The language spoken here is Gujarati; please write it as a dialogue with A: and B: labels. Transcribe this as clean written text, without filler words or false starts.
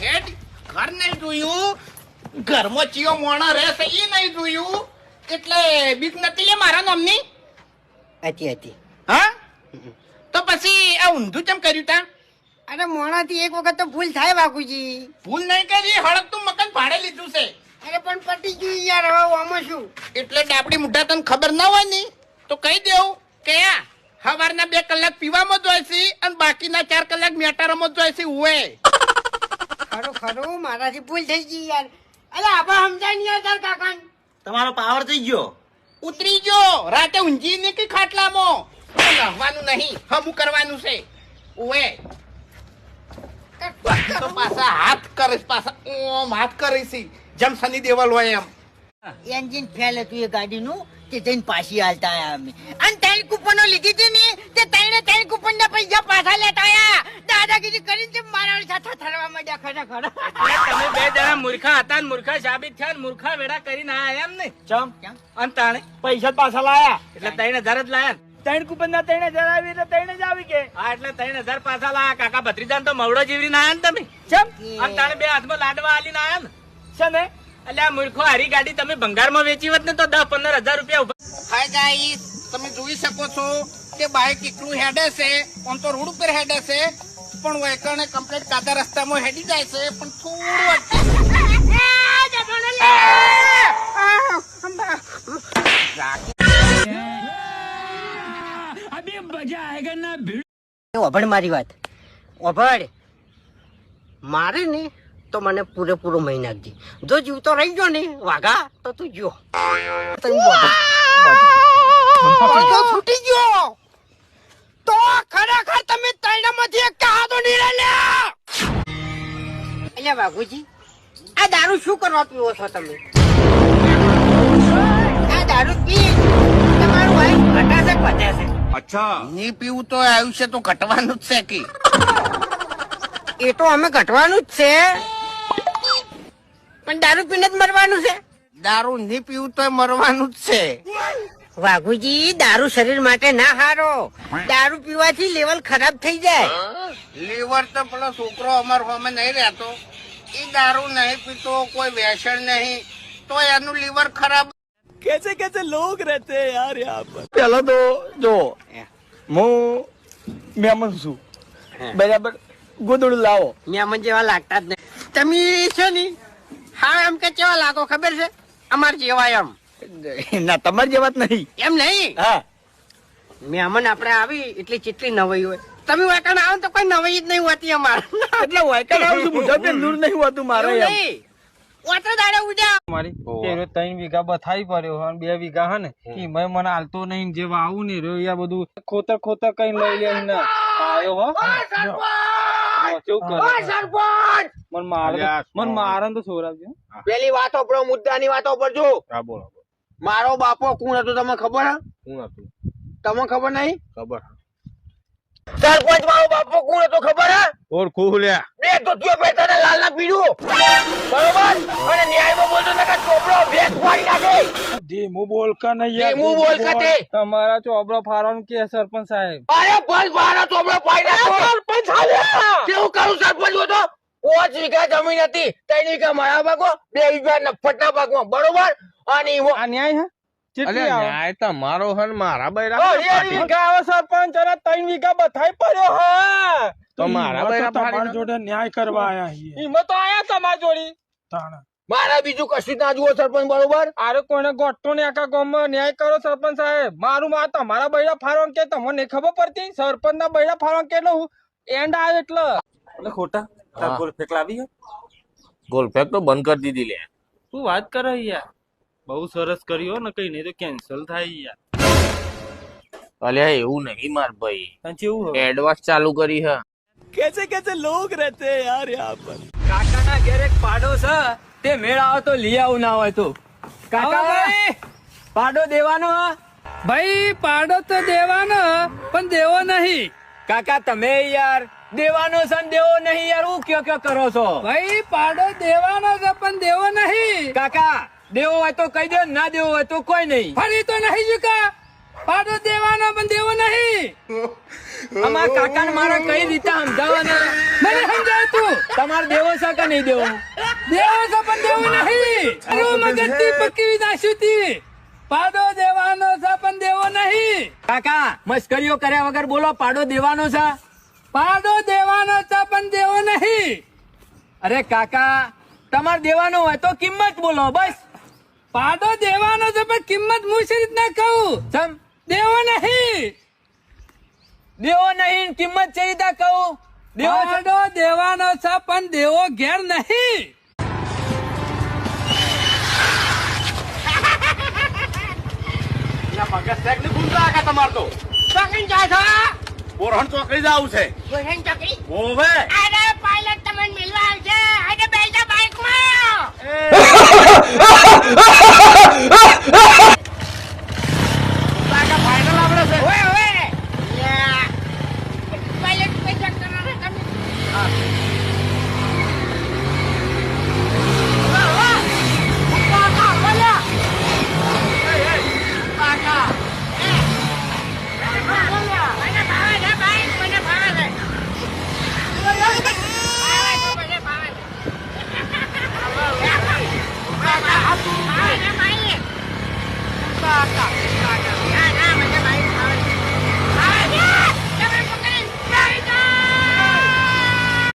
A: હેડ ઘર નહીં જોયું, ઘરમાં ચિયો મોણા રહેશે એ નહીં જોયું, એટલે બીક નથી લે મારા નામની.
B: હતી
A: હા તો પછી આ ઊંધું કેમ કર્યું તા?
B: અરે મોણાથી એક વખત તો ભૂલ થાય બાપુજી.
A: ભૂલ નહીં કરી, હળકતું મકાન ભાડે લીધું છે.
B: અરે પણ પટી ગયું યાર, હવે આમાં શું?
A: એટલે ડાબડી મુઢા તને ખબર ના હોય ને તો કહી દેવું કે આ સવારના 2 કલાક પીવામાં જ હોય છે અને બાકીના 4 કલાક મેટારામાં જ હોય છે. ઉએ
B: ખરું મારાથી ભૂલ થઈ ગઈ યાર. અરે આબા સમજાય નહીં યાર તાર કાકા.
C: તમારો પાવર થઈ ગયો.
A: ઉતરી ગયો, રાતે ઊંઘી ને કે ખાટલામાં લહવાનું નહીં, હમું કરવાનું છે. ઉએ તો પાછા હાથ કરીશ, પાછા ઓમ હાથ કરીશ જેમ સની દેવલ હોય એમ.
B: એન્જિન ફેલ હતું એ ગાડીનું, તે જઈને પાછી હાલતા આયા અમે. અને 3 કૂપનો લીધી હતી ને, તે 3 કૂપન ના પૈસા પાછા લેતા આયા. દાદાગીરી કરીને તે મારા સાથે થરવા માંડ્યા ખરેખર.
D: તમે 2 જણા મૂર્ખા હતા ને મૂર્ખા સાબિત થયા ને મૂર્ખા વેડા કરીને આયા એમ ને? ચમ અને તાણે પૈસા પાછા લાયા એટલે 3000 જ લાયા. 3 કૂપન ના 3000 આવી એટલે 3 જ આવી કે? હા એટલે 3000 પાછા લાયા. કાકા ભત્રીજાને તો મવડો જીવરીને આયા ને તમે? ચમ અને તાણે 2 હાથમાં લાડવા આલીને આયા ને? છે ને? એટલે આ મૂર્ખો હારી ગાડી તમે ભંગારમાં વેચી હોત ને તો 10-15 હજાર રૂપિયા.
A: હાય ગાઈસ, તમે જોઈ શકો છો કે બાઈક એકલું હેડે છે, આમ તો રોડ ઉપર હેડે છે, પણ વેકરને કમ્પ્લીટ કાદા રસ્તામાં હેડી જાય છે, પણ
B: ઓભળ મારી વાત ઓભળ. મારે ને તો મને પૂરેપૂરો મહી નાખજે. જો જીવતો રહી ગયો ને વાઘા તો તું જો છૂટી ગયો તો ખરેખર તમે ત્રણમાંથી એક કહાતો નિર્ણય લ્યા. એટલે વાઘુજી, આ દારૂ શું કરવા પીવો છો તમે? આ દારૂ પી તમારું વાઈફ ઘટાશે વધે છે.
A: અચ્છા, નહીં પીવું તો આયુષ્ય તો ઘટવાનું જ છે કે?
B: એ તો અમે ઘટવાનું જ છે, પણ દારૂ પીને જ મરવાનું છે.
A: દારૂ નહીં પીવું તો મરવાનું જ છે.
B: વાઘુજી, દારૂ શરીર માટે ના હારો. દારૂ પીવાથી લેવલ ખરાબ થઈ જાય.
A: લીવર તો પેલો છોકરો અમાર હોમે નહીં રહેતો, એ દારૂ નહીં પીતો, કોઈ વ્યસન નહીં, તો એનું લીવર ખરાબ.
D: कैसे कैसे लोग रहते हैं यार यहाँ पर.
C: પેલો તો જો હું મહેમાન છું, બરાબર? ગોદડું લાવો.
B: મહેમાન જેવા લાગતા જ નહીં તમે છે ને. હા, એમ કે કેવા લાગો ખબર છે? અમાર જેવા એમ.
C: ના, તમારી જેવા જ નહીં.
B: એમ નહીં.
C: હા,
B: મહેમાન આપણે આવી એટલે કેટલી નવાઈ હોય. તમે વાકણ આવો તો કોઈ નવાઈ જ નહીં હોતી અમારે.
C: એટલે વાયકર આવું છું, મોઢા પે દૂર નહીં હોતું મારે
B: એવું
C: એમ.
B: નહીં. ઓટો દાડે ઉડ્યા
D: મારી 3 વીઘા બથાઈ પડ્યો અને 2 વીઘા હે ને ઈ મને હાલતો નહીં. જેવા આવું ને રહ્યો યા બધું ખોતર કઈ લઈ લે ને આયો હો. કેવું કરે મન મારે તો છોરાવજો.
E: પેલી વાતો પર મુદ્દાની વાતો પર જો.
D: હા બોલો.
E: મારો બાપો કોણ હતો તમને ખબર હે?
D: કોણ હતું?
E: તમને ખબર નહીં?
D: ખબર.
E: સરપંચ મારો બાપો કોણ હતો ખબર હે?
D: ઓર ખુલ્યા
E: બે ધોતિયો પહેરતા ને લાલ ના પીડું, બરોબર? અને ન્યાયમાં બોલતો ને કે ચોપડો ભેંસ ફાડી નાખે.
D: ધીમું બોલ કા નહીં યાર.
E: ધીમું બોલ કા તે.
D: તમારા ચોપડો ફારવાનું કે સરપંચ સાહેબ?
E: અરે બસ મારો ચોપડો ફાડી નાખો. સરપંચ સાહેબ કેવું કરું? સરપંચ હતો 5 વીઘા જમીન હતી, 3 વીઘા મારા ભાગમાં, 2 વીઘા નફટના ભાગમાં, બરોબર? અને
D: આ ન્યાય હે? કેટલી આવે?
E: ન્યાય તમારો હન મારા બૈરા
D: વીઘા આવે સરપંચ અને 3 વીઘા બથાઈ પડ્યો હે.
E: તો મારા બૈરા
D: તમારા જોડે ન્યાય કરવા આયા છીએ. ઈમાં તો આયા તમાર જોડી. તાણા
E: મારા બીજું કશું ના જુઓ સરપંચ, બરોબર?
D: આરે કોઈને ગોઠતો ને આખા ગામમાં ન્યાય કરો સરપંચ સાહેબ. મારું માં તમારા બૈરા ફારવાનું કે તમને નહીં ખબર પડતી? સરપંચ ના બૈરા ફારવાનું કેટલો એન્ડ આવે એટલે ખોટા તાર ગોલ ફેક લાવી હે?
E: ગોલ ફેક તો બંધ કરી દીધી લે.
D: તું વાત કરે યાર, બહુ સરસ કર્યો ને, કઈ નહીં તો કેન્સલ થાય યાર.
E: અલ્યા એવું નહીં માર ભાઈ,
D: કેવું
E: એડવાન્સ ચાલુ કરી હે.
D: कैसे कैसे लोग रहते हैं यार यहाँ पर. કાકા ના ઘેર એક પાડો છે, તે મેળ આવે તો લઈ આવું ના હોય તો. કાકા પાડો દેવાનો? ભાઈ પાડો તો દેવાનો પણ દેવો નહીં. કાકા તમે યાર દેવાનો છે દેવો નહીં યાર, હું કયો કરો છો? ભાઈ પાડો દેવાનો છે પણ દેવો નહીં. કાકા દેવો હોય તો કહી દો, ના દેવો હોય તો કોઈ નહીં. ફરી તો નહીં ચુકા. પાડો દેવાનો પણ દેવો નહીં. અમારા કાકા ને મારા કઈ રીતે સમજાવવાના? મને સમજાય બોલાય તું તમારે દેવો છે કે નહીં દેવો? દેવો છે પણ દેવો નહીં. તારું મગજથી પકવી નાખ્યું તી. પાડો દેવાનો છે પણ દેવો નહીં. કાકા મસ્કરીઓ કર્યા વગર બોલો, પાડો દેવાનો છે? પાડો દેવાનો છે પણ દેવો નહીં. અરે કાકા તમારે દેવાનો હોય તો કિંમત બોલો બસ. પાડો દેવાનો છે પણ કિંમત હું શી રીતના કહું? સમ દેવો નહીં. દેવો નહીં કિંમત છે રીતે કહું? પાડો દેવાનો છે પણ દેવો ઘેર નહીં.
A: મગજ શેક ની ભૂલતા આખા તમારે તો
B: ચોકડી જાય છે
A: બોરહણ ચોકડી જવું છે.
B: બોલણ ચોકડી
A: ઓવે
B: અરે પાયલટ તમને મિલવા આવશે આજે બેસા બાઇકમાં
A: ફાઇનલ આપણે છે.
B: ઓય ઓય યા પાયલટ પૈસા કરવાના તમે કાકા